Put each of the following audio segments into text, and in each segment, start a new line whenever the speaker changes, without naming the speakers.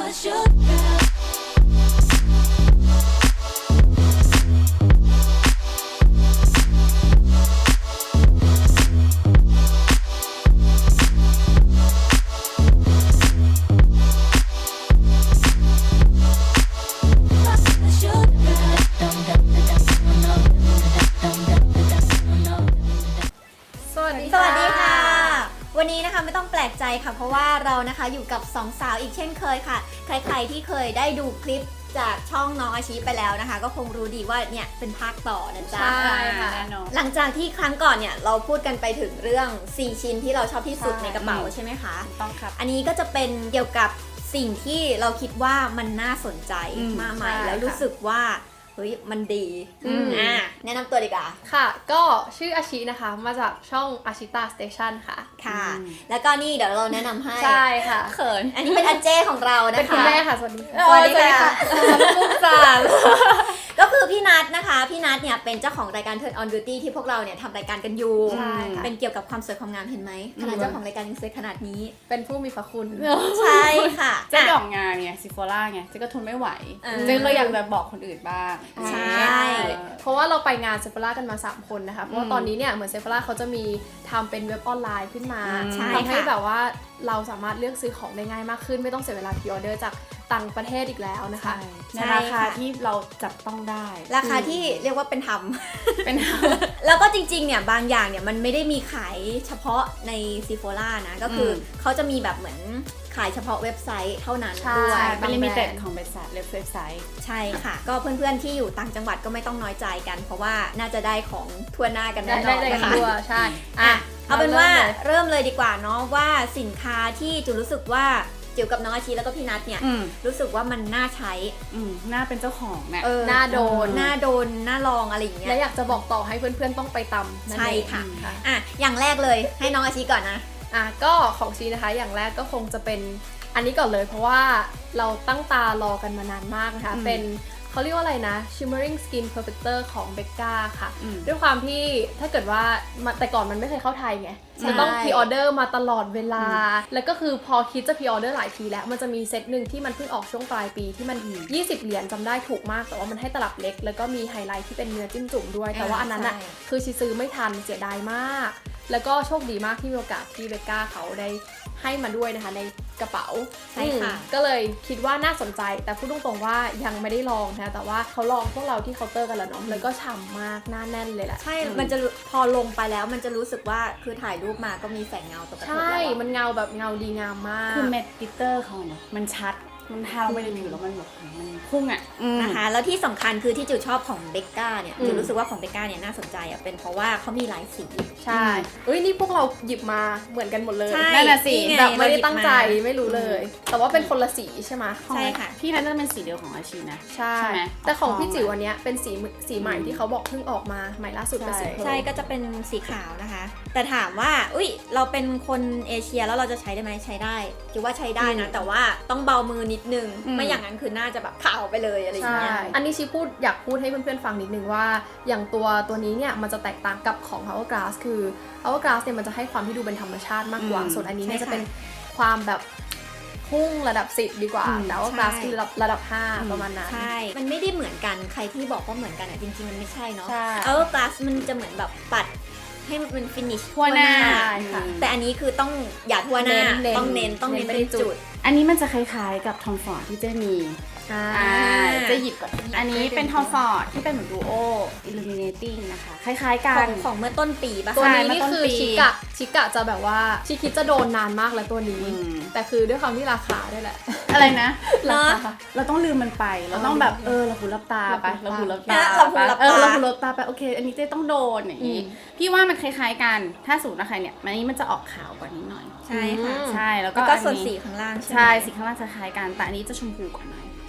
วันนี้นะคะไม่ต้องแปลกใจค่ะเพราะว่าเรานะคะอยู่กับสองสาวอีกเช่นเคยค่ะใครๆที่เคยได้ดูคลิปจากช่องน้องอาชีไปแล้วนะคะก็คงรู้ดีว่าเนี่ยเป็นภาคต่อนะจ๊ะ
ใช่ค่ะ
หลังจากที่ครั้งก่อนเนี่ยเราพูดกันไปถึงเรื่อง4ชิ้นที่เราชอบที่สุดในกระเป๋าใช่ไหมคะ
ต้องครับ
อันนี้ก็จะเป็นเกี่ยวกับสิ่งที่เราคิดว่ามันน่าสนใจมากมายแล้วรู้สึกว่าเฮ้ยมันดีแนะนำตัวดีกว่า
ค่ะก็ชื่ออาชินะคะมาจากช่องอาชิตาสเตชันค่ะ
ค่ะแล้วก็นี่เดี๋ยวเราแนะนำให้
ใช่ค่ะ
เขินอันนี้เป็นอาเจ้ของเรานะคะ
เป็นคุณแม่ค่ะสวัสดี
ค่ะมุกสามก็คือพี่นัทนะคะพี่นัทเนี่ยเป็นเจ้าของรายการ Turn on Beauty ที่พวกเราเนี่ยทำรายการกันอยู่เป็นเกี่ยวกับความสวยความงามเห็นไหมขนาดเจ้าของรายการยังสวยขนาดนี้
เป็นผู้มีพระคุณ
ใช่ค่ะ
เจ้าดอกงานไงซิโฟล่าไงเจ้าก็ทนไม่ไหวเจ้าก็อยากจะบอกคนอื่นบ้าง
ใช่
เพราะว่าเราไปงานเซฟล่ากันมา3คนนะคะเพราะว่าตอนนี้เนี่ยเหมือนเซฟล่าเขาจะมีทำเป็นเว็บออนไลน์ขึ้นมาทำให้แบบว่าเราสามารถเลือกซื้อของได้ง่ายมากขึ้นไม่ต้องเสียเวลาพรีออเดอร์จากต่างประเทศอีกแล้วนะคะ
ในราคาที่เราจับต้องได้
ราคาที่เรียกว่าเป็นธรรมแล้วก็จริงๆเนี่ยบางอย่างเนี่ยมันไม่ได้มีขายเฉพาะในซีโฟล่านะก็คือเขาจะมีแบบเหมือนขายเฉพาะเว็บไซต์เท่านั้นด้วย
เป็นลิมิเต็ดของเว็บไซต์
ใช่ค่ะก็เพื่อนๆที่อยู่ต่างจังหวัดก็ไม่ต้องน้อยใจกันเพราะว่าน่าจะได้ของทั่วหน้ากันแน่นอนนะคะ
ใช่
เอาเป็นว่าเริ่มเลยดีกว่าเนาะว่าสินค้าที่จูรู้สึกว่าจิ๋วกับน้องอาชีแล้วก็พี่นัทเนี่ยรู้สึกว่ามันน่าใช้
น่าเป็นเจ้าของเนี่ย
น่าโดน
น่าลองอะไรอย่างเงี้ย
และอยากจะบอกต่อให้เพื่อนๆต้องไปตำ
ใช่ค่ะอย่างแรกเลยให้น้องอาชีก่อนนะ
ก็ของชีนะคะอย่างแรกก็คงจะเป็นอันนี้ก่อนเลยเพราะว่าเราตั้งตารอกันมานานมากนะคะเป็นเขาเรียกว่าอะไรนะ Shimmering Skin Perfector ของ Becca ค่ะด้วยความที่ถ้าเกิดว่าแต่ก่อนมันไม่เคยเข้าไทยไงจะต้องพรีออเดอร์มาตลอดเวลาแล้วก็คือพอคิดจะพรีออเดอร์หลายทีแล้วมันจะมีเซตหนึ่งที่มันเพิ่งออกช่วงปลายปีที่มัน20 เหรียญจำได้ถูกมากแต่ว่ามันให้ตลับเล็กแล้วก็มีไฮไลท์ที่เป็นเนื้อจิ้มจุ่มด้วยแต่ว่าอันนั้นอ่ะคือชีซื้อไม่ทันเสียดายมากแล้วก็โชคดีมากที่มีโอกาสที่เบกก้าเขาได้ให้มาด้วยนะคะในกระเป๋า
ใช่ค่ะ
ก็เลยคิดว่าน่าสนใจแต่พูดตรงๆว่ายังไม่ได้ลองนะแต่ว่าเขาลองพวกเราที่เคาน์เตอร์กันแล้วเนาะแล้วก็ฉ่ำมากหน้าแน่นเลยแหละ
ใช่มันจะพอลงไปแล้วมันจะรู้สึกว่าคือถ่ายรูปมาก็มีแสงเงาตกกระทบ
ใช่มันเงาแบบเงาดีงามมาก
คือเม็ดกลิตเตอร์เขาเนี่ยมันชัดมันทาลงไปในผิวแล้วมันแบบมันพุ่ง
นะคะแล้วที่สำคัญคือที่จิ๋วชอบของเบกก้าเนี่ยจิ๋วรู้สึกว่าของเบกก้าเนี่ยน่าสนใจเป็นเพราะว่าเขามีหลายสี
ใช่นี่พวกเราหยิบมาเหมือนกันหมดเลย
นั่นน่ะสิ
แบบไม่ได้ตั้งใจไม่รู้เลยแต่ว่าเป็นคนละสีใช่ไหม
ใช่ค่ะ
พี่นั้นจะเป็นสีเดียวของอาชีนะ
ใช่แต่ของพี่จิ๋ววันนี้เป็นสีใหม่ที่เขาบอกเพิ่งออกมาใหม่ล่าสุดเป็นสี
ใช่ก็จะเป็นสีขาวนะคะแต่ถามว่าเราเป็นคนเอเชียแล้วเราจะใช้ได้ไหมใช้ได้จิ๋วว่าใช้ได้นะแต่ว่าต้องเบามือนิดนึงไม่อย่างนั้นคือน่าจะแบบขาวไปเลยอะไรอย่างเงี้ย
อันนี้ชีอยากพูดให้เพื่อนๆฟังนิดนึงว่าอย่างตัวนี้เนี่ยมันจะแตกต่างกับของ Hourglass คือ Hourglass เนี่ยมันจะให้ความที่ดูเป็นธรรมชาติมากกว่าส่วนอันนี้เนี่ยจะเป็นความแบบพุ่งระดับ10ดีกว่าแต่ว่า Hourglass คือระดับ5ประมาณนั้น
ใช่มันไม่ได้เหมือนกันใครที่บอกว่าเหมือนกันจริงๆมันไม่ใช่เนาะ Hourglass มันจะเหมือนแบบปัดให้มันเป็นฟินิช
ทั่วหน้า
แต่อันนี้คือต้องอย่าทั่วหน้าต้องเน้นเป็นจุด
อันนี้มันจะคล้ายๆกับทอมฟอร์ดที่เจะมีจะหยิบก่อนอันนี้เป็นทอมฟอร์ดที่เป็นเหมือนดูโอ illuminating นะคะคล้ายๆกัน
ของเมื่อต้นปีป่ะ
ตัวนี้นี่คือชิกะจะแบบว่าชิคิดจะโดนนานมากแล้วตัวนี้แต่คือด้วยความที่ราคาด้วยแหละ
อะไรนะเราต้องลืมมันไปเราต้องแบบเราหูรับตาไปเราหูรับตาไปโอเคอันนี้เจ๊ต้องโดนอย่างนี้พี่ว่ามันคล้ายๆกันถ้าสูตรนะใครเนี่ยอันนี้มันจะออกขาวกว่านี้หน่อย
ใช่ค่ะ
ใช่แล้วก็
ส่วนสีข้างล่าง
ใช่สีข้างล่างจะคล้ายกันแต่อันนี้จะชมพูกว่าหน่อย
ค่ะ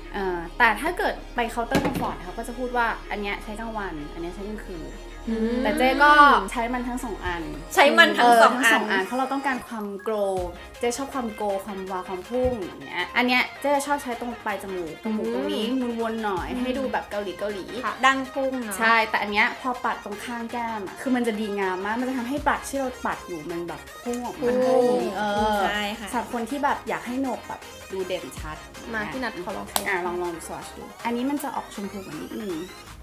แต่ถ้าเกิดไปเคาน์เตอร์คอมฟอร์ตเขาก็จะพูดว่าอันเนี้ยใช้กลางวันอันเนี้ยใช้กลางคืนแต่เจ๊ก็ใช้มันทั้ง2อัน
ใช้มันทั้งสองอัน
เพราะเราต้องการความโกลเจ๊ชอบความโกลความวาวความพุ่งอย่างเงี้ยอันเนี้ยเจ๊ชอบใช้ตรงปลายจมูกตรงนี้วนๆหน่อยให้ดูแบบเกาหลี
ดังพุ่งเนาะ
ใช่แต่อันเนี้ยพอปัดตรงข้างแก้มอ่ะคือมันจะดีงามมากมันจะทำให้ปัดที่เราปัดอยู่มันแบบพุ่งออกมา
ใช่ค่ะ
สำหรับคนที่แบบอยากให้โหนกแบบดูเด่นชัด
มาที่นัดขอลองใช้
ลองสวอชดูอันนี้มันจะออกชมพูกว่านิดนึง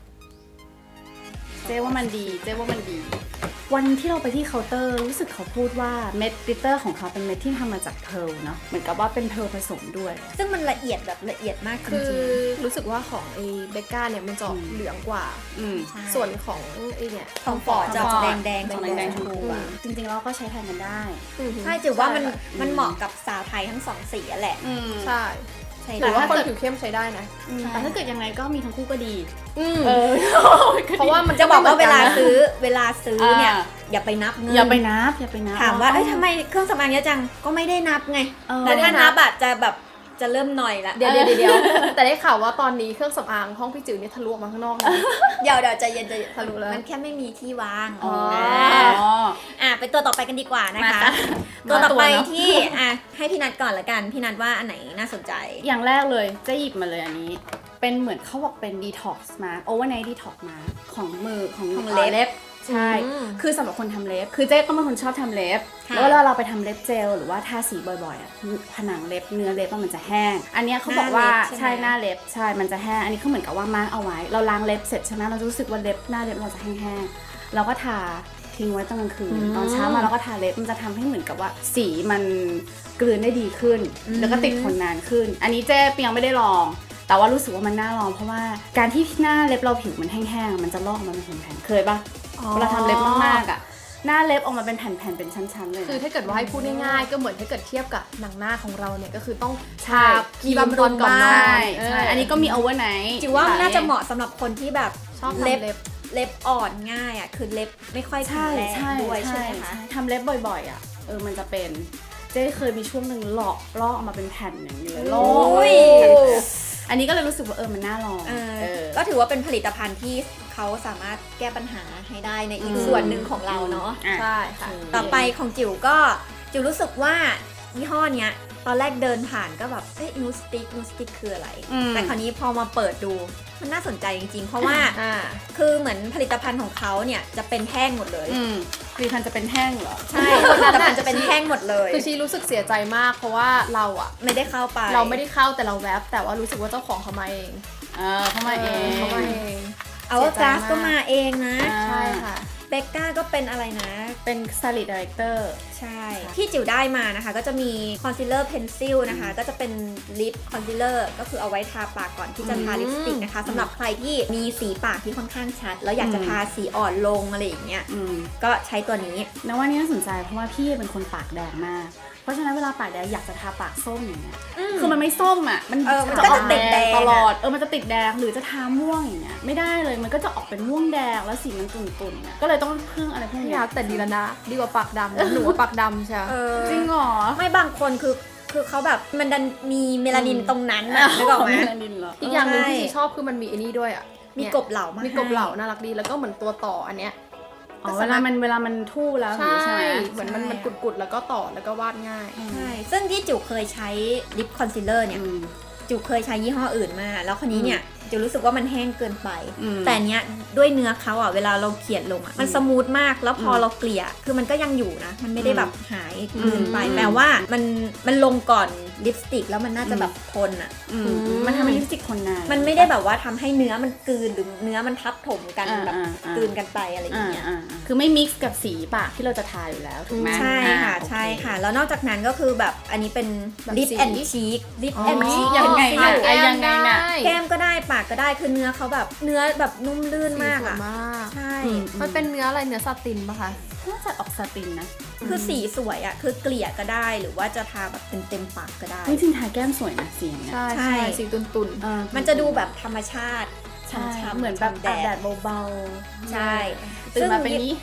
เจ๊ว่ามันดีวันที่เราไปที่เคาน์เตอร์รู้สึกเขาพูดว่าเม็ดกลิตเตอร์ของเขาเป็นเม็ดที่ทำมาจากเพร์ลเนาะเหมือนกับว่าเป็นเพร์ลผสมด้วย
ซึ่งมันละเอียดแบบละเอียดมากจริง
คือรู้สึกว่าของไอ้เบกก้าเนี่ยมันจะเหลืองกว่าส่วนของไอ้เนี่ย
ทองฟอร์ดจะแดง
ชมพูจริงๆเราก็ใช้แทนกันได้
ใช่จือว่ามันเหมาะกับสาวไทยทั้ง2สีแหละ
ใช่หรือว่าคนผิวเข้มใช้ได้นะ
แต่ถ้าเกิดยังไงก็มีทั้งคู่ก็ดี
เพราะว่ามันจะบอกว่าเวลาซื้อเนี่ยอย่าไปนับเงิน
อย่าไปนับ
ถามว่าทำไมเครื่องสำอางเยอะจังก็ไม่ได้นับไงแต่ถ้านับอะจะแบบจะเริ่มหน่อยละ
เดี๋ยวแต่ได้ข่าวว่าตอนนี้เครื่องสำอางห้องพี่จิ๋วนี่ทะลุออกมาข้างนอกนะ
เดี๋ยวใจเย็น
ทะลุแล้ว
มันแค่ไม่มีที่วางไปตัวต่อไปกันดีกว่านะคะตัวต่อไปที่ให้พี่นัทก่อนละกันพี่นัทว่าอันไหนน่าสนใจ
อย่างแรกเลยจะหยิบมาเลยอันนี้เป็นเหมือนเขาบอกเป็น detox mask overnight detox mask ของมือของเล็บใช่คือสำหรับคนทำเล็บคือเจ๊ก็เป็นคนชอบทำเล็บแล้วเวลาเราไปทำเล็บเจลหรือว่าทาสีบ่อยๆผนังเล็บเนื้อเล็บมันจะแห้งอันนี้เขาบอกว่าใช่หน้าเล็บใช่มันจะแห้งอันนี้เขาเหมือนกับว่ามาร์กเอาไว้เราล้างเล็บเสร็จใช่ไหมเราจะรู้สึกว่าเล็บหน้าเล็บเราจะแห้งๆเราก็ทาทิ้งไว้ตอนกลางคืนตอนเช้ามาเราก็ทาเล็บมันจะทำให้เหมือนกับว่าสีมันกลืนได้ดีขึ้นแล้วก็ติดทนนานขึ้นอันนี้เจ๊ยังไม่ได้ลองแต่ว่ารู้สึกว่ามันน่าลองเพราะว่าการที่หน้าเล็บเราผิวมันแห้งๆมันจะลอกมาเป็นแผ่นๆเคยปะเวลาทำเล็บมากๆอ่ะหน้าเล็บออกมาเป็นแผ่นๆเป็นชั้นๆเลย
คือถ้าเกิดว่าให้พูดง่ายๆก็เหมือนถ้าเกิดเทียบกับหนังหน้าของเราเนี่ยก็คือต้องทาครีมบำรุงก่อนนอน
ใช่อันนี้ก็มี overnight
จิ๋วว่าน่าจะเหมาะสำหรับคนที่แบบชอบเล็บอ่อนง่ายอ่ะคือเล็บไม่ค่อยแข็งแรงด้วยใช่ไหมคะ
ทำเล็บบ่อยๆอ่ะมันจะเป็นเจ๊เคยมีช่วงหนึ่งลอกออกมาเป็นแผ่นอย่างนี้เลยลอกอันนี้ก็เลยรู้สึกว่ามันน่าลอง
ก็ถือว่าเป็นผลิตภัณฑ์ที่เขาสามารถแก้ปัญหาให้ได้ในอีกส่วนหนึ่งของเราเนาะ
ใช่ค่ะ
ต่อไปของจิ๋วรู้สึกว่ายี่ห้อเนี้ยตอนแรกเดินผ่านก็แบบนูสติ๊กคืออะไรแต่คราวนี้พอมาเปิดดูมันน่าสนใจจริงๆเพราะว่าคือเหมือนผลิตภัณฑ์ของเขาเนี่ยจะเป็นแท่งหมดเลย
ผลิตภัณฑ์จะเป็นแท่งเหรอ
ใช่ผลิตภัณฑ์จะเป็นแท่งหมดเลย
คือชีรู้สึกเสียใจมากเพราะว่าเราอะ
ไม่ได้เข้าไป
เราไม่ได้เข้าแต่เราแวบแต่ว่ารู้สึกว่าเจ้าของเขามาเอง
เขามาเอง
เอาว่ากราฟก็มาเองนะ
ใช่ค่ะ
เบกก้าก็เป็นอะไรนะ
เป็น Stylist Director
ใช่ที่จิ๋วได้มานะคะก็จะมีคอนซีลเลอร์เพนซิลนะคะก็จะเป็นลิปคอนซีลเลอร์ก็คือเอาไว้ทาปากก่อนที่จะทาลิปสติกนะคะสำหรับใครที่มีสีปากที่ค่อนข้างชัดแล้วอยากจะทาสีอ่อนลงอะไรอย่างเงี้ยก็ใช้ตัวนี้
นะว่านี่น่าสนใจเพราะว่าพี่เป็นคนปากแดงมากเพราะฉะนั้นเวลาปากแดงอยากจะทาปากส้มอย่างเงี้ยคือมันไม่ส้มอ่ะมัน
ก็จะติดแดง
ตลอดมันจะติดแดงหรือจะทาม่วงอย่างเงี้ยไม่ได้เลยมันก็จะออกเป็นม่วงแดงแล้วสีมันตุ่นๆก็เลยต้องพึ่งอะไรพวกนี้
แต่ดีแล้วนะดีกว่าปากดำหนูว่าปากดำใช่
จริงเหรอ
ไม่บางคนคือเขาแบบมันดันมีเมลานินตรงนั้นนะนึกออกไหม
อีกอย่างนึงที่ชอบคือมันมีไอ้นี่ด้วยอ่ะ
มีกบเหล่ามา
มีกบเหล่าน่ารักดีแล้วก็เหมือนตัวต่ออันเนี้ย
เวลามันทู่แล้ว
ใช่เหมือนมันกุดๆแล้วก็ต่อแล้วก็วาดง่าย
ใช่ซึ่งที่จิ๋วเคยใช้ลิปคอนซีลเลอร์เนี่ยจิ๋วเคยใช้ยี่ห้ออื่นมาแล้วคนนี้เนี่ยจิ๋วรู้สึกว่ามันแห้งเกินไปแต่เนี้ยด้วยเนื้อเขาอ่ะเวลาเราเขียนลงอ่ะมันสมูทมากแล้วพอเราเกลี่ยคือมันก็ยังอยู่นะมันไม่ได้แบบหายเกินไปแปลว่ามันลงก่อนลิปสติกแล้วมันน่าจะแบบทนอ่ะ
มันทำให้ลิปสติกทนนาน
มันไม่ได้แบบว่าทำให้เนื้อมันกลืนหรือเนื้อมันทับถมกันแบบกลืนกันไปอะไรอย่างเงี้ย
คือไม่มิกซ์กับสีปากที่เราจะทาอยู่แล้วถูกไหม
ใช่ค่ะแล้วนอกจากนั้นก็คือแบบอันนี้เป็นลิปแอนด์ชีค
ยังไงนะ
แก้มก็ได้ปากก็ได้คือเนื้อเขาแบบเนื้อแบบนุ่มลื่นมากอ่ะใช่
มันเป็นเนื้ออะไรเนื้อซาตินป่ะคะ
น่าจะออกซาตินนะ
คือสีสวยอ่ะคือเกลี่ยก็ได้หรือว่าจะทาแบบเต็มปากก็ได้
จริงๆทาแก้มสวยนะสีเนี่ย
ใช่สีตุ่น
ๆมันจะดูแบบธรรมชาติ
ช้ำๆเหมือนแบบแดดเบา
ๆใช่
ตื่นมาเป็นนี้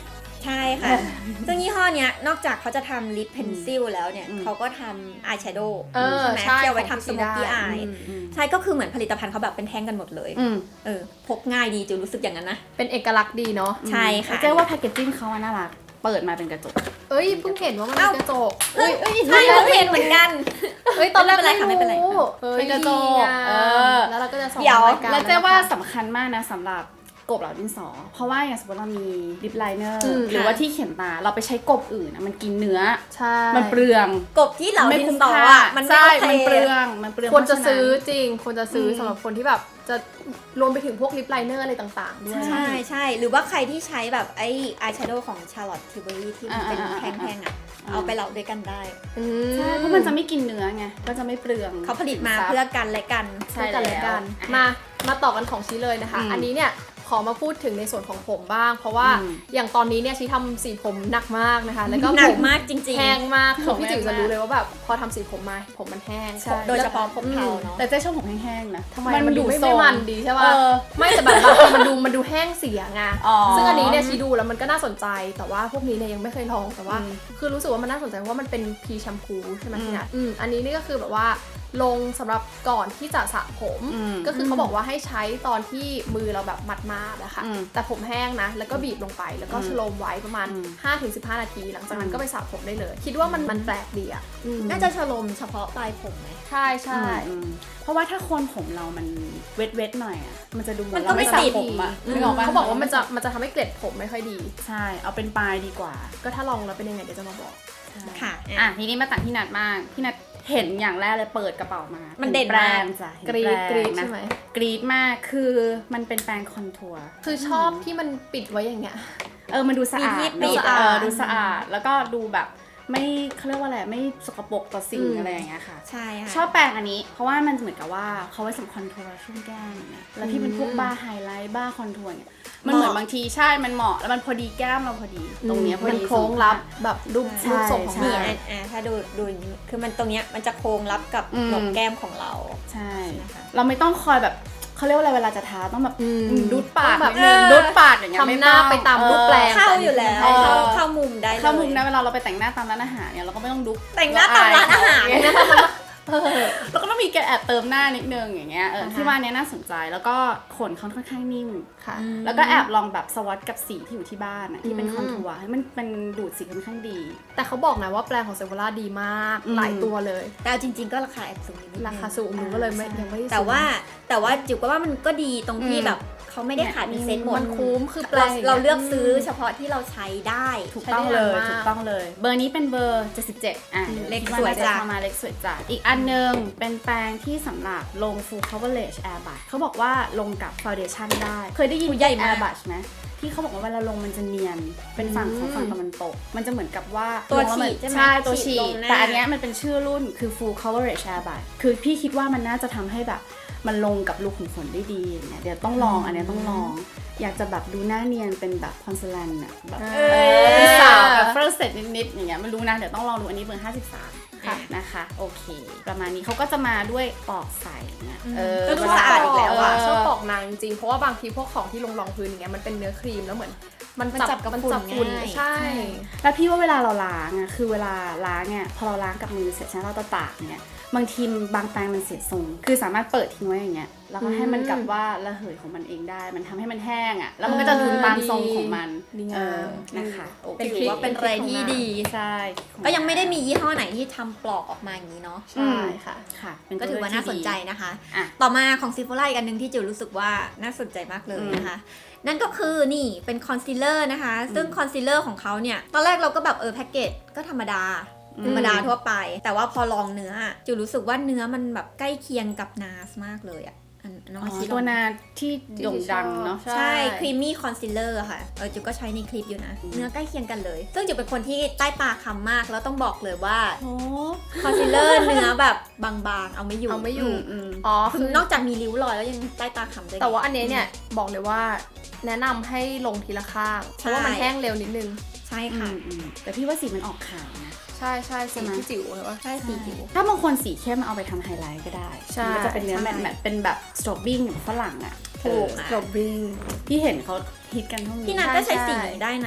ใช่ค่ะ ซึ่งยี่ห้อเนี้ยนอกจากเขาจะทำลิปเพนซิลแล้วเนี่ยเขาก็ทำอายแชโดว์ใช่ไหมที่เอาไว้ทำสโมกกี้อายใช่ก็คือเหมือนผลิตภัณฑ์เขาแบบเป็นแท่งกันหมดเลยพกง่ายดีจูรู้สึกอย่างนั้นนะ
เป็นเอกลักษณ์ดีเนาะ
ใช่ค่ะ
เจ๊ว่าแพคเกจจิ้งเขาน่ารักเปิดมาเป็นกระจก
เอ้ยเพิ่งเห็นว่ามันเป็นกระจก
ใช่เพิ่งเห็นเหมือนกัน
เอ้ยตอนแรก
ไม่เป็นไร
เป็นกระจก
แล้วเราก็จะส่อง
แล้วเจ๊ว่าสำคัญมากนะสำหรับกบเหล่าดินสอเพราะว่าอย่างสมมติเรามีลิปไลเนอร์หรือว่าที่เขียนตาเราไปใช้กบอื่นนะมันกินเนื้อมันเปลือง
กบที่เหล่าดินสอมัน
ใช่มันเปลือง
ควรจะซื้อจริงควรจะซื้อสำหรับคนที่แบบจะรวมไปถึงพวกลิปไลเนอร์อะไรต่างๆด้วย
ใช่หรือว่าใครที่ใช้แบบไอ้อายแชโดว์ของ Charlotte Tilbury ที่มันเป็นแท่งๆเอาไปเหลาด้วยกันได้
ใช่เพราะมันจะไม่กินเนื้อไงก็จะไม่เปลือง
เขาผลิตมาเพื่อกันและกัน
ใช่แล้วมาต่อกันของชี้เลยนะคะอันนี้เนี่ยขอมาพูดถึงในส่วนของผมบ้างเพราะว่าอย่างตอนนี้เนี่ยชี้ทำสีผมหนักมากนะคะแล้วก็
หนักมากจริงๆ
แห้งมากพี่จิ๋วจะรู้เลยว่าแบบพอทำสีผมมาผมมันแห้ง
โดยเฉพาะผมเทาเนาะ
แต่เจ๊ชอบผมแห้งๆนะ
ทำไมมันดูไม่มันดีใช่ป่ะไม่แต่แบบมันดูแห้งเสียไงซึ่งอันนี้เนี่ยชี้ดูแล้วมันก็น่าสนใจแต่ว่าพวกนี้เนี่ยยังไม่เคยลองแต่ว่าคือรู้สึกว่ามันน่าสนใจเพราะว่ามันเป็นพีแชมพูใช่ไหมพี่นัทอันนี้นี่ก็คือแบบว่าลงสำหรับก่อนที่จะสระผมก็คือเขาบอกว่าให้ใช้ตอนที่มือเราแบบมัดๆนะคะแต่ผมแห้งนะแล้วก็บีบลงไปแล้วก็ชโลมไว้ประมาณ 5-15 นาทีหลังจากนั้นก็ไปสระผมได้เลยคิดว่ามันแปลกดีอ่ะ
น่าจะชโลมเฉพาะปลายผมไหม
ใช่
เพราะว่าถ้าโคนผมเรามันเวทหน่อยอ่ะมันจะดูเหมือน
เราไม่สระ
ผมอ่ะ
เขาบอกว่ามันจะทำให้เกล็ดผมไม่ค่อยดี
ใช่เอาเป็นปลายดีกว่า
ก็ถ้าลองแล้วเป็นยังไงเดี๋ยวจะมาบอก
ค่ะ
ทีนี้มาต่างพี่นัทมากพี่นัทเห็นอย่างแรกเลยเปิดกระเป๋ามา
มันเด่น
แปรงจ้ะ
กรี๊ดใช่ไหม
กรี๊ดมากคือมันเป็นแปรงคอนทัวร์
คือชอบที่มันปิดไว้อย่างเงี้ย
มันดูสะอาดดูสะอาดแล้วก็ดูแบบไม่เขาเรียกว่าอะไรไม่สกปรกต่อสิ่งอะไรอย่างเงี้ยค่ะ
ใช่ค่ะ
ชอบแปรงอันนี้เพราะว่ามันเหมือนกับว่าเขาไว้สำหรับคอนทัวร์ช่วงแก้มอย่างเงี้ยแล้วที่เป็นพวกบ้าไฮไลท์บ้าคอนทัวร์เนี่ยมันเหมือนบางทีใช่มันเหมาะแล้วมันพอดีแก้มเราพอดีตรงเนี้ยพอดี
โค้งรับแบบรูปทรงของ
นี่ถ้าดูอย่างนี้คือมันตรงเนี้ยมันจะโค้งรับกับหนกแก้มของเรา
ใช่เราไม่ต้องคอยแบบเขาเรียกว่าอะไรเวลาจะทาต้องแบบดูดปากแบบดูดปากอย่างเงี้ย
ทำหน้าไปตามรูปแปลง
เข้าอยู่แล้วเข้ามุมได้
เข้ามุมนะเวลาเราไปแต่งหน้าตามร้านอาหารเนี่ยเราก็ไม่ต้องดุ
แต่งหน้าตามร้านอาหาร
แล้วก็ต้องมีแกแอบเติมหน้านิดนึงอย่างเงี้ยที่ว่านี้น่าสนใจแล้วก็ขนเขาค่อนข้างนิ่มค่ะแล้วก็แอบลองแบบสวอตกับสีที่อยู่ที่บ้านที่เป็นคอนทัวร์ให้มันดูดสีค่อนข้างดี
แต่เขาบอกนะว่าแปรงของเซฟวล่าดีมากหลายตัวเลย
แต่จริงๆก็ราคาแอบสูง
ราคาสูงหนูก็เลยยังไม่
แต่ว่าจิ๋วก็ว่ามันก็ดีตรงที่แบบเขาไม่ได้ขายเป็นเซ็ตหมด
มันคุ้มคือ
เราเลือกซื้อเฉพาะที่เราใช้ได้
ถูกต้องเลยเบอร์นี้เป็นเบอร์77
เล็กสวยจ้ะ
มาเล็กสวยจ้ะอีกอันนึงเป็นแปรงที่สำหรับลง full coverage air brush เขาบอกว่าลงกับ foundation ได้เคยได้ยิน air brush ไหมที่เขาบอกว่าเวลาลงมันจะเนียนเป็นฝั่งของฝั่งตะวันตกมันจะเหมือนกับว่า
ตัวฉีด
ใช่ตัวฉีดแต่อันนี้มันเป็นชื่อรุ่นคือ full coverage air brush คือพี่คิดว่ามันน่าจะทำให้แบบมันลงกับลูกขุมขนได้ดีอย่างเงี้ยเดี๋ยวต้องลองอันนี้ต้องลองอยากจะแบบดูหน้าเนียนเป็นแบบพอนเซลันอะแบบเป็นสาวแบบฝรั่งเศสนิดๆอย่างเงี้ยไม่รู้นะเดี๋ยวต้องลองดูอันนี้เบอร์53นะคะโอเคประมาณนี้เขาก็จะมาด้วยปอกใสเนี่ย
ก็ดูสะอาดอีกแล้วอะ
ชอบปอกนางจริงๆเพราะว่าบางทีพวกของที่ลงรองพื้นอย่างเงี้ยมันเป็นเนื้อครีมแล้วเหมือนมันจับกับฝุ่นใช่
แล้วพี่ว่าเวลาเราล้างอะคือเวลาล้างเนี่ยพอเราล้างกับมือเสร็จใช่ไหมเราตากเนี่ยบางทีบางแปรงมันเสียทรงคือสามารถเปิดทิ้งไว้อย่างเงี้ยแล้วก็ให้มันกับว่าระเหยของมันเองได้มันทำให้มันแห้งอ่ะแล้วมันก็จะดูตามทรงของมันนะคะ
ถือว่าเป็นอะไรที่ดี
ใช่
ก็ยังไม่ได้มียี่ห้อไหนที่ทำปลอกออกมาอย่างนี้เนาะ
ใช่ค่ะ
ก็ถือว่าน่าสนใจนะคะต่อมาของซิฟโฟล่าอีกอันนึงที่จิ๋วรู้สึกว่าน่าสนใจมากเลยนะคะนั่นก็คือนี่เป็นคอนซีลเลอร์นะคะซึ่งคอนซีลเลอร์ของเขาเนี่ยตอนแรกเราก็แบบแพ็กเกจก็ธรรมดาทั่วไปแต่ว่าพอลองเนื้อจิ๋วรู้สึกว่าเนื้อมันแบบใกล้เคียงกับนาสมากเลยอะ
ตัวนาที่โด่งดังเนาะ
ใช่ครีมมี่คอนซีลเลอร์ค่ะจิ๋วก็ใช้ในคลิปอยู่นะเนื้อใกล้เคียงกันเลยซึ่งจิ๋วเป็นคนที่ใต้ตาคำมากแล้วต้องบอกเลยว่าคอนซีลเลอร์เนื้อแบบบางๆเอาไม่อยู่คือนอกจากมีริ้วรอยแล้วยังใต้ตาคำด้วย
แต่ว่าอันนี้เนี่ยบอกเลยว่าแนะนำให้ลงทีละข้างเพราะว่ามันแห้งเร็วนิดนึง
ใช่ค่ะ
แต่พี่ว่าสีมันออกขาวนะ
ใช่สีที่จิ๋วเหรอ
ใช่สีจิ๋ว
ถ้าบางคนสีเข้มเอาไปทำไฮไลท์ก็ได้มันจะเป็นเนื้อแมทเป็นแบบสโตรบบิ้งฝรั่งอ่ะ
ถูก
สโตรบบิ้งที่เห็นเขาฮิตกันเท่านี้
พี่นัทก็ใช้สีได้นะ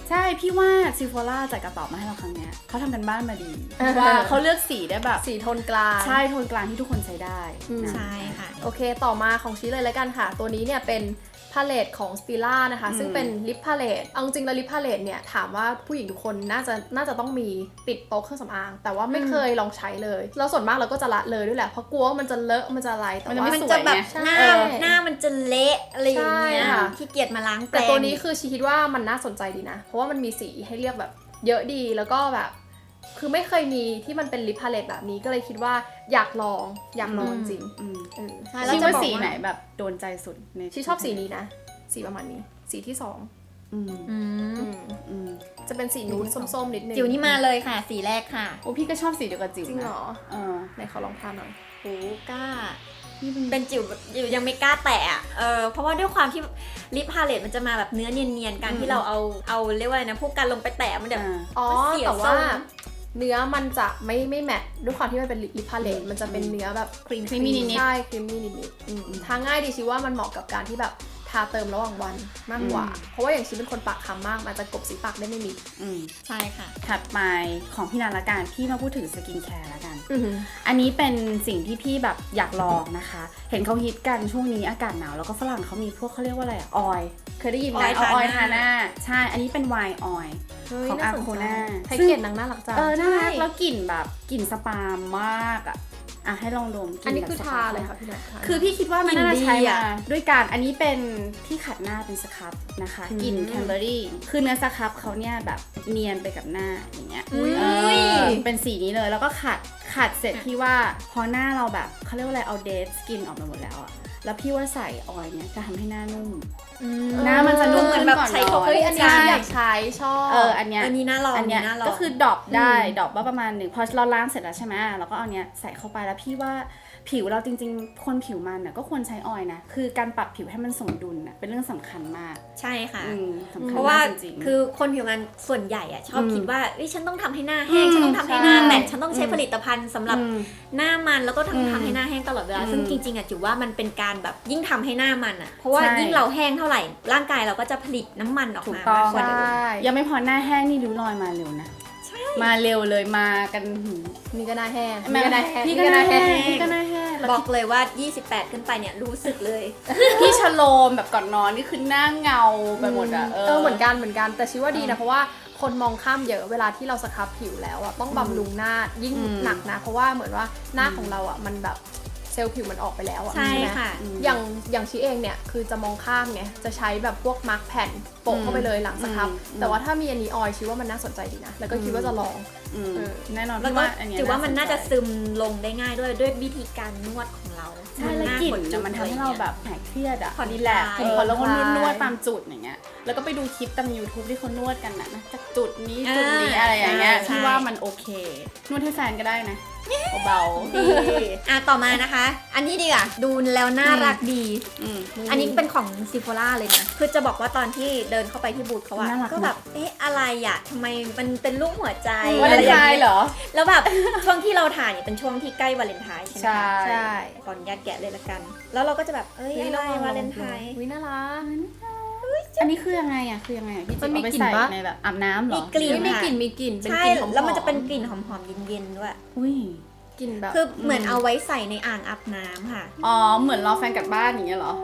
ใช่พี่ว่าซีโฟล่าจัดกระเป๋ามาให้เราครั้งเนี้ยเขาทำกันบ้านมาดีว่าเขาเลือกสีได้แบบ
สีโทนกลาง
ใช่โทนกลางที่ทุกคนใช้ได้นะ
ใช่ค่ะ
โอเคต่อมาของชี้เลยแล้วกันค่ะตัวนี้เนี่ยเป็นพาเลตของ Stila นะคะซึ่งเป็นลิปพาเลตเอาจริงแล้วลิปพาเลตเนี่ยถามว่าผู้หญิงทุกคนน่าจะต้องมีติดโต๊ะเครื่องสำอางแต่ว่าไม่เคยลองใช้เลยแล้วส่วนมากเราก็จะละเลยด้วยแหละเพราะกลัวว่ามันจะเลอะมันจะอะไรแต่ว่า
มันจะแบบหน้ามันจะเละอะไรอย่างเงี้ย
ใช่ค่ะ
ขี้เกียจมาล้างแปรง
แต่ตัวนี้คือชีคิดว่ามันน่าสนใจดีนะเพราะว่ามันมีสีให้เลือกแบบเยอะดีแล้วก็แบบคือไม่เคยมีที่มันเป็นลิปพาเลตแบบนี้ก็เลยคิดว่าอยากลองจริง
ใช่
คิ
แล้ว
ด
จะ
ว่า
บอก
สี
ว่า
ไหนแบบโดนใจสุดใน
ชีชอบสีนี้นะสีประมาณนี้สีที่สอง
อืม
อืม
อืม
จะเป็นสีนูดส้มๆนิดนึง
จิ๋วนี่มาเลยค่ะ สีแรกค่ะ
โอ้พี่ก็ชอบสีเดียวกับจิ๋ว
จริงเหร
นะ
อ
เออ
ไหนขอลองทานหน่อย
โหกล้า เป็นจิ๋วยังไม่กล้าแตะอะเพราะว่าด้วยความที่ลิปพาเลตมันจะมาแบบเนื้อเนียนๆการที่เราเอาเรียกว่าอะไรนะพวกกันลงไปแตะมันแบบ
อ๋อ
มันเสีย
แต่ว่า
ทรง
เนื้อมันจะไม่แมทด้วยความที่มันเป็นลิปพาเลตมันจะเป็นเนื้อแบบ
ครีมนิดๆ
ใช่ครีมมี่นิดๆทาง่ายดีชิว่ามันเหมาะกับการที่แบบทาเติมระหว่างวันมากกว่า เพราะว่าอย่างชิเป็นคนปากคำมากมันจะกลบสีปากได้ไม่มิด
อืม
ใช่ค่ะ
ถัดไปของพี่นันละกันพี่มาพูดถึงสกินแคร์ละกัน อันนี้เป็นสิ่งที่พี่แบบอยากลองนะคะ เห็นเขาฮิตกันช่วงนี้อากาศหนาวแล้วก็ฝรั่งเขามีพวกเขาเรียกว่าอะไรอะออยเคยได้ยินไหม
ออยล์
เอาออยล์
ทา
ทา
ห
ห
น้า
น้าใช่อันนี้เป็นไวน์ออยล์ ของ
น่าสนใจ
Arcona
แพ็กเกจนางน่ารักจัง
น่ารัก
ใช่
แล้วกลิ่นแบบกลิ่นสปามมากอ่ะให้ลองดมก
อัน
ลิ่
นี้
แบบ
คือ
ส
ทา
ปม
เลยค่ะพี่นัท
คือพี่คิดว่ามันน่าจะใช้
กลิ่นดี
มา
อะ
ด้วยการอันนี้เป็นที่ขัดหน้าเป็นสครับนะคะกลิ่นแคนเบอรี่คือเนื้อสครับเขาเนี่ยแบบเนียนไปกับหน้าอย่างเงี้ย
อุ๊ย
เป็นสีนี้เลยแล้วก็ขัดเสร็จพี่ว่าพอหน้าเราแบบเขาเรียกว่าอะไรเอาเดทสกินออกมาหมดแล้วอะแล้วพี่ว่าใส่ออยล์เนี่ยจะทำให้หน้านุ่ม หน้ามันจะนุ่ม
เหมื
ขึ้
อน
น
แบบ
ก่อน
ใช้
น
โค
อน
โค่
อันนี้
ใช่
อยากใช้ชอบ
อันเนี้ย
อันนี้น่าลอง
อันเนี้ย
น่าลอง
ก็คือดรอปได้ดรอปว่าประมาณหนึ่งพอเราล้างเสร็จแล้วใช่ไหมเราก็เอาเนี้ยใส่เข้าไปแล้วพี่ว่าผิวเราจริงๆคนผิวมันน่ะก็ควรใช้ออยล์นะคือการปรับผิวให้มันสมดุลน่ะเป็นเรื่องสำคัญมาก
ใช่ค่ะ
สำคัญ
เพราะว่าม
ากจริงๆ
คือคนผิวงานส่วนใหญ่อะชอบคิดว่าฉันต้องทำให้หน้าแห้งฉันต้องทำให้หน้าแมทฉันต้องใช้ผลิตภัณฑ์สำหรับหน้ามันแล้วก็ทำให้หน้าแห้งตลอดเวลาซึ่งจริงๆอะจิ๋วว่ามันเป็นการแบบยิ่งทำให้หน้ามันอะเพราะว่า
ใช่
ยิ่งเราแห้งเท่าไหร่ร่างกายเราก็จะผลิตน้ำมันออก
ถูก
มา
ต้อง
มากกว่าเดิม
ยังไม่พอหน้าแห้งนี่ริ้วรอยมาเร็วนะมาเร็วเลยมากันหืม
นี่ก็หน้าแห้ง
พี่ก็หน้าแห้งพี่ก็หน้าแห้งแล้ว
บอกเลยว่า 28 ขึ้นไปเนี่ยรู้สึกเลย
พี่ชโลมแบบก่อนนอนนี่คือหน้าเงาไปหมดอะ
เหมือนกันแต่ชิว่าดีนะเพราะว่าคนมองข้ามเยอะเวลาที่เราสครับผิวแล้วอะต้องบำรุงหน้ายิ่งหนักนะเพราะว่าเหมือนว่าหน้าของเราอะมันแบบเซลล์ผิวมันออกไปแล้วอะ
ใช่
ไหม
ค่ะ
อย่างชีเองเนี่ยคือจะมองข้ามไงจะใช้แบบพวกมาร์กแผ่นโปะเข้าไปเลยหลังสครับแต่ว่าถ้ามีอันนี้ออยชิว่ามันน่าสนใจดีนะแล้วก็คิดว่าจะลอง
แน่นอน
แล้ว
พี่
ก็
ว่าอันเนี้ย
จิ๋วว่ามันน่าจะซึมลงได้ง่ายด้วยวิธีการนวดของเรา
ใช่แล้วกลิ่นน่ะมันทำให้เราแบบหายเครียดอะ
ผ่อน
รีแลกซ์
คลาย
แล้วก็นวดตามจุดอย่างเงี้ยแล้วก็ไปดูคลิปตาม YouTube ที่เขานวดกันนะจากจุดนี้จุดนี้อะไรอย่างเงี้ยพี่ว่ามันโอเคนวดให้แฟนก็ได้นะเบา
ดีต่อมานะคะ อันนี้ดีอ่ะดูแล้วน่ารักดี อันนี้เป็นของซิโฟล่าเลยนะ คือจะบอกว่าตอนที่เดินเข้าไปที่บูธเขาอะก็แบบ อะไรอะทำไมมันเป็นรูปหัวใจ
วาเลนไทน์เหรอ
แล้วแบบช่วงที่เราถ่ายเนี่ยเป็นช่วงที่ใกล้วาเลนไทน์ใช่ไหม
ใช่
คะ
ใช่
ก่อนยัดแกะเลยละกัน แล้วเราก็จะแบบอะไรวาเลนไทน์
วิน่ารัก
อันนี้คือยังไงอะพี่
มัน
จิ๊บ
มี
เอาไป
กลิ่น
ใส่
ปะ
ในแบบอาบน้ำเหรอ
มีกลิ่น
มีกลิ่นเป็น
ใช่
กลิ่นหอมๆ
แล้วมันจะเป็นกลิ่นหอมๆเย็นๆด้วย
อุ้ย
กลิ่นแบบ
คือเหมือนเอาไว้ใส่ในอ่างอาบน้ำค่ะ
อ๋อเหมือนรอแฟนกลับบ้านอย่างเงี้ยเหรอ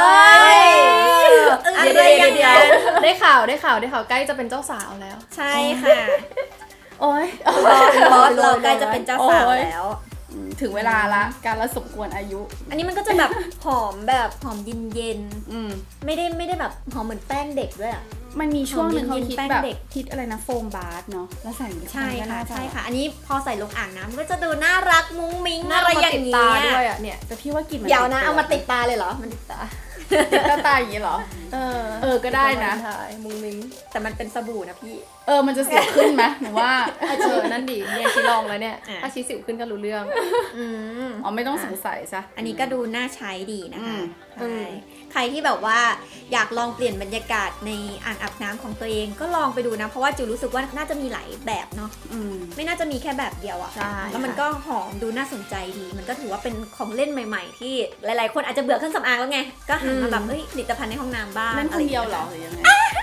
อะไรอย่างเงี้ย
ได้ข่าวใกล้จะเป็นเจ้าสาวแล้ว
ใช่ค่ะ
โอ้ย
บอสเราใกล้จะเป็นเจ้าสาวแล้ว
ถึงเวลาละการละสมควรอายุ
อันนี้มันก็จะแบบหอมแบบหอมเย็น
อืม
ๆไม่ได้แบบหอมเหมือนแป้งเด็กด้วยอะ
มันมีช่วงหนึงเขา
หอมเย็นๆ
คิด
แป้ง
แบบ
เด็ก
คิดอะไรนะโฟมบาร์เนาะแล้วใส่
ใช่
ก็
ค่ะ
น่าจ
ใช่ค่ะ อันนี้พอใส่ลงอ่างน้ำมันก็จะดูน่ารักมุ้งมิ้ง
น่า
อะไร
มา
อย่า
ติด
ง
ตา
เงี้
ด้วย
ย
อ่ะเนี่ย
แต่พี่ว่ากลิ่นมัน
เดี๋ยวนะเอามาติดตาเลยเหรอมันติดตา
ติดตาอย่างนี้เหรอ ก็ได้นะ
ใช่มุ้งมิ้ง
แต่มันเป็นสบู่นะพี่
มันจะเสียวขึ้นไหมหนูว่า
นั่นดิเนี่ยชีลองแล้วเนี่ย
อ่ะ
ถ้าชีสิวขึ้นก็รู้เรื่อง
อืม
อ๋อไม่ต้องสงสัยซะ
อันนี้ก็ดูน่าใช้ดีนะคะ
อื
ใช่
ม
ใครที่แบบว่าอยากลองเปลี่ยนบรรยากาศในอ่างอาบน้ำของตัวเองก็ลองไปดูนะ เพราะว่าจิวรู้สึกว่าน่าจะมีหลายแบบเนาะ ไม่น่าจะมีแค่แบบเดียวอะ
ใช่
แล้วมันก็หอมดูน่าสนใจดี มันก็ถือว่าเป็นของเล่นใหม่ ๆ ที่หลายๆ คนอาจจะเบื่อเครื่องสำอางแล้วไง ก็หันมาแบบผลิตภัณฑ์ในห้องน้ำบ้าง
เล่นคนเดียวเหรอ
ะ
หรือยังไง
ไ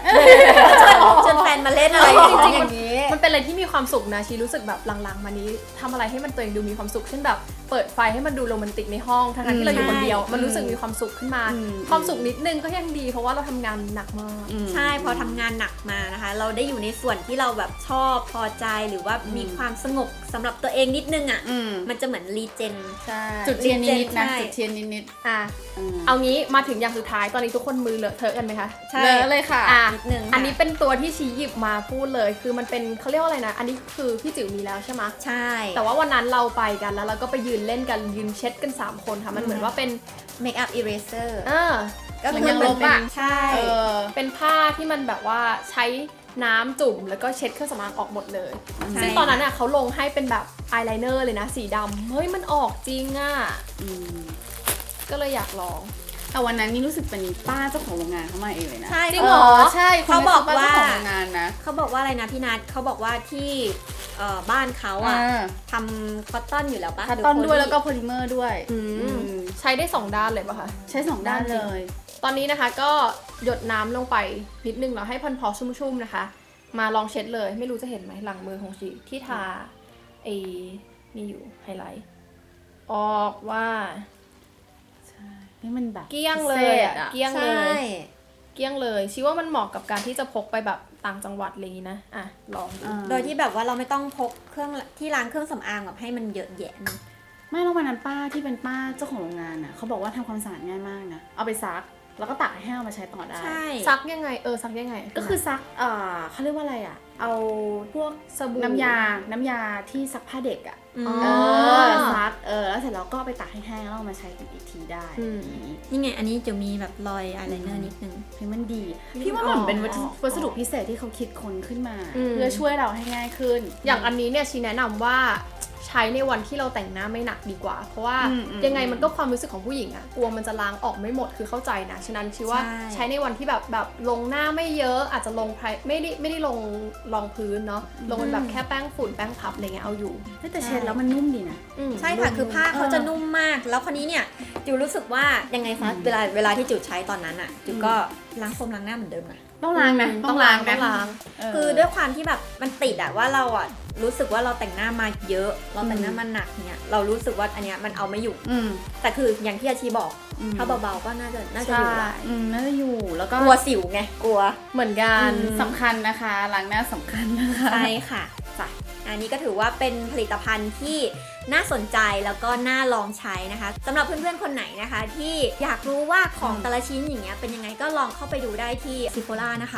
ชวนแฟนมาเล่นอะไร
จริงๆ
อย่างนี้
มันเป็นอะไรที่มีความสุขนะชีรู้สึกแบบหลังๆมานี้ทำอะไรให้มันตัวเองดูมีความสุขเช่นแบบเปิดไฟให้มันดูโรแมนติกในห้องทั้งๆที่เราอยู่คนเดียวมันรู้สึกมีความสุขขึ้นมา ความสุขนิดนึงก็ยังดีเพราะว่าเราทำงานหนักมาก
ใช่พอทำงานหนักมานะคะ เราได้อยู่ในส่วนที่เราแบบชอบพอใจหรือว่ามีความสงบสำหรับตัวเองนิดนึงอ่ะมันจะเหมือนรีเจน
ใช่จุดเทียนนิดๆนะ
ใช่
จุดเทียนนิด
อ่ะเอางี้มาถึงอย่างสุดท้ายตอนนี้ทุกคนมือเลอะเทอะกันไหมคะ
ๆเลยค่ะ
อ่ะ
นิดนึงค่ะ
อันนี้เป็นตัวที่ชี้หยิบมาพูดเลยคือมันเป็นเขาเรียกว่าอะไรนะอันนี้คือพี่จิ๋วมีแล้วใช่ไหม
ใช่
แต่ว่าวันนั้นเราไปกันแล้วเราก็ไปยืนเล่นกันยืนเช็ดกัน3คนค่ะมันเหมือนว่าเป็น
เมคอัพอีเรเซอร์ ก็
เหมื
คือ
อน
เหมือน
ยังลบ
เป็น
อะ
ใช่
เป็นผ้าที่มันแบบว่าใช้น้ำจุ่มแล้วก็เช็ดเครื่องสำอางออกหมดเลย
ใช่
ซึ่งตอนนั้นอ่ะเขาลงให้เป็นแบบอายไลเนอร์เลยนะสีดำเฮ้ยมันออกจริงอ่ะก็เลยอยากลอง
แต่วันนั้นนี่รู้สึกเป็นป้าเจ้าของโรงงานเขามาเองเลยนะ
ใช่
จริงเหรอ
ใช่
เขาบอกว่า
เจ้าของโรงงานนะ
เขาบอกว่าอะไรนะพี่นัทเขาบอกว่าที่บ้านเขาอ่ะทำคอตตอนอยู่แล้วปะ
คัตตอนด้วยแล้วก็โพลิเมอร์ด้วย
ใช้ได้2ด้านเลยป่ะคะ
ใช้2ด้านเลย
ตอนนี้นะคะก็หยดน้ำลงไปนิดนึงแล้วให้พอชุ่มๆนะคะ มาลองเช็ดเลยไม่รู้จะเห็นไหมหลังมือของชีที่ทานี่อยู่ไฮไลท์ออกว่า
นี่มันแบบ
เกลี้ยงเลย
พิศษ
อะเกลี้ยงเล
ใช่
ยเกลี้ยงเลยชีว่ามันเหมาะกับการที่จะพกไปแบบต่างจังหวัดอะไรอย่างนี้นะอ่ะลองดู
โดยที่แบบว่าเราไม่ต้องพกเครื่องที่ล้างเครื่องสำอางแบบให้มันเยอะแยะนะ
ไม่แล้ววันนั้นป้าที่เป็นป้าเจ้าของโรงงานน่ะเขาบอกว่าทำความสะอาดง่ายมากนะเอาไปซักแล้วก็ตากให้แห้งเอามาใช้ต่อได้
ใช่
ซักยังไงซักยังไง
ก็คือซักเขาเรียกว่าอะไรอ่ะเอาพวก
สบู่
น้ำยาที่ซักผ้าเด็กอ่ะ
อืม
ซักแล้วเสร็จแล้วก็เอาไปตากให้แห้งแล้วเอามาใช้กันอีกทีได้
นี่ไงอันนี้จะมีแบบรอยอายไลเนอร์นิดนึง
เฮ้ยมันดี พี่ว่ามันเป็นวัสดุพิเศษที่เขาคิดค้นขึ้นมา เพื่อช่วยเราให้ง่ายขึ้น
อย่างอันนี้เนี่ยชีแนะนำว่าใช้ในวันที่เราแต่งหน้าไม่หนักดีกว่า เพราะว่ายังไงมันก็ความรู้สึกของผู้หญิงอะกลัวมันจะล้างออกไม่หมดคือเข้าใจนะฉะนั้นชีว่า
ใช่
ใช้ในวันที่แบบลงหน้าไม่เยอะอาจจะลงไม่ได้ลงรองพื้นเนาะลงเป็นแบบแค่แป้งฝุ่นแป้งพับอะไรเงี้ยเอาอยู่
แต่เช็ดแล้วมันนุ่มดีนะ
ใช่ค่ะคือผ้าเขาจะนุ่มมาก แล้วคนนี้เนี่ยจิวรู้สึกว่ายังไงคะเวลาที่จิวใช้ตอนนั้นอ่ะจิวก็ล้างโฟมล้างหน้าเหมือนเดิมนะ
ต้องล้างนะ
ต้องล้าง
คือด้วยความที่แบบมันติดอะว่าเราอะรู้สึกว่าเราแต่งหน้ามาเยอะเราแต่งหน้ามาหนักเนี่ยเรารู้สึกว่าอันเนี้ยมันเอาไม่อยู่แต่คืออย่างที่อาชีบอกถ้าเบาๆก็น่าจะอยู่ละ
น่าจะอยู่แล้วก็
กลัวสิวไงกลัว
เหมือนกัน
สำคัญนะคะล้างหน้าสำคัญนะคะ
ใช่ค่ะจ้ะอันนี้ก็ถือว่าเป็นผลิตภัณฑ์ที่น่าสนใจแล้วก็น่าลองใช้นะคะสำหรับเพื่อนๆคนไหนนะคะ ที่อยากรู้ว่าของแต่ละชิ้นอย่างเงี้ยเป็นยังไงก็ลองเข้าไปดูได้ที่ Sephora นะคะ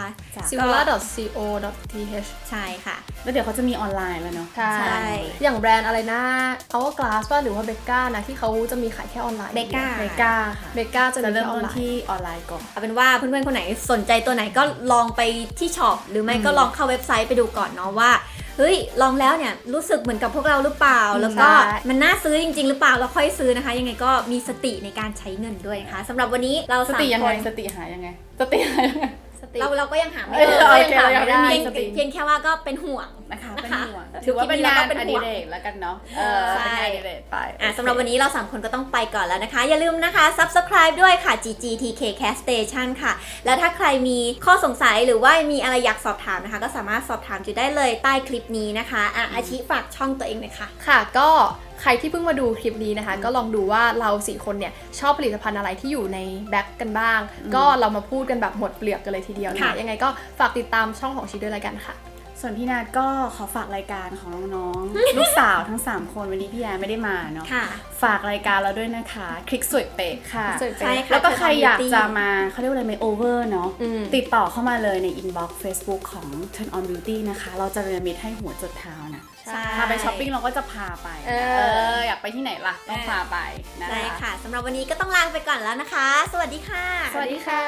sephora.co.th
ใช่ค่ะ
แล้วเดี๋ยวเขาจะมีออนไลน์แล้วเนาะ
ใช่
ใช่
อย่างแบรนด์อะไรนะ Hourglass ป่ะหรือว่าเบก้านะที่เขาจะมีขายแค่ออนไลน์
Becca
เมกาค่ะ
เบก้าจะ
จะ
มี
เริ่ม
แค่ออ
ต้
น
น
ไลน์
ที่ออนไลน์ก่อน
เอาเป็นว่าเพื่อนๆคนไหนสนใจตัวไหนก็ลองไปที่ช็อปหรือไม่ก็ลองเข้าเว็บไซต์ไปดูก่อนเนาะว่าเฮ้ยลองแล้วเนี่ยรู้สึกเหมือนกับพวกเราหรือเปล่าแล้วก็
ใช่
มันน่าซื้อจริงๆหรือเปล่าแล้วค่อยซื้อนะคะ ยังไงก็มีสติในการใช้เงินด้วยนะคะสำหรับวันนี้เรา
ส
สาม
ติยัง
ค
ไง
น
สติหายังไงสติหายังไง
เราก็ยังหาไม่
เอ
เจ
อ
อ
โอเคเรายังไม่มี
เพียง
สติ
เพียงแค่ว่าก็เป็นห่วง
นะคะ
นะคะ
เป็นห่วงถือว่าเป็นงานอดิเรกแล้วกันเนาะ
ใช่
เป็นงานอดิเรกไป
สำหรับวันนี้เรา3คนก็ต้องไปก่อนแล้วนะคะ อย่าลืมนะคะ subscribe ด้วยค่ะ GGTK Cast Station ค่ะ แล้วถ้าใครมีข้อสงสัยหรือว่ามีอะไรอยากสอบถามนะคะ ก็สามารถสอบถามจุได้เลยใต้คลิปนี้นะคะอาชิฝากช่องตัวเองหน่อยค่ะ
ค่ะก็ใครที่เพิ่งมาดูคลิปนี้นะคะ ก็ลองดูว่าเรา4คนเนี่ยชอบผลิตภัณฑ์อะไรที่อยู่ในแบ็คกันบ้าง ก็เรามาพูดกันแบบหมดเปลือกกันเลยทีเดียวนะ
ค่ะ
คะยังไงก็ฝากติดตามช่องของชีด้วยแล้วกันค่ะ
ส่วนพี่นาดก็ขอฝากรายการของน้องๆ ลูกสาวทั้ง 3 คนวันนี้พี่แอนไม่ได้มาเนาะ
ค่ะ
ฝากรายการเราด้วยนะคะคลิกสวยเป๊ะค่ะ
สวยเป๊ะ
ใช่ค่ะ
แล้วก็ใครอยาก
Turn on
จะ
Beauty
มาเขาเรียกว่าอะไรเมคโอเวอร์เนาะ
อืม
ติดต่อเข้ามาเลยใน inbox Facebook ของ Turn on Beauty นะคะ เราจะเรียนมิตให้หัวจดเท้านะ
ใช่
พาไปช้อปปิ้งเราก็จะพาไป
เออ
อยากไปที่ไหนล่ะต้องพาไปนะ
ใช่
คะ
ค่ะสำหรับวันนี้ก็ต้องลาไปก่อนแล้วนะคะ สวัสดีค่ะ
สวัสดีค่ะ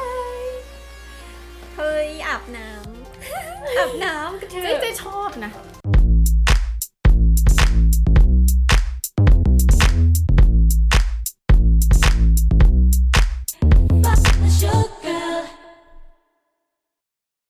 เฮ้ยอาบน้ำ อาบน้ำกระเท
เจ๊ชอบนะ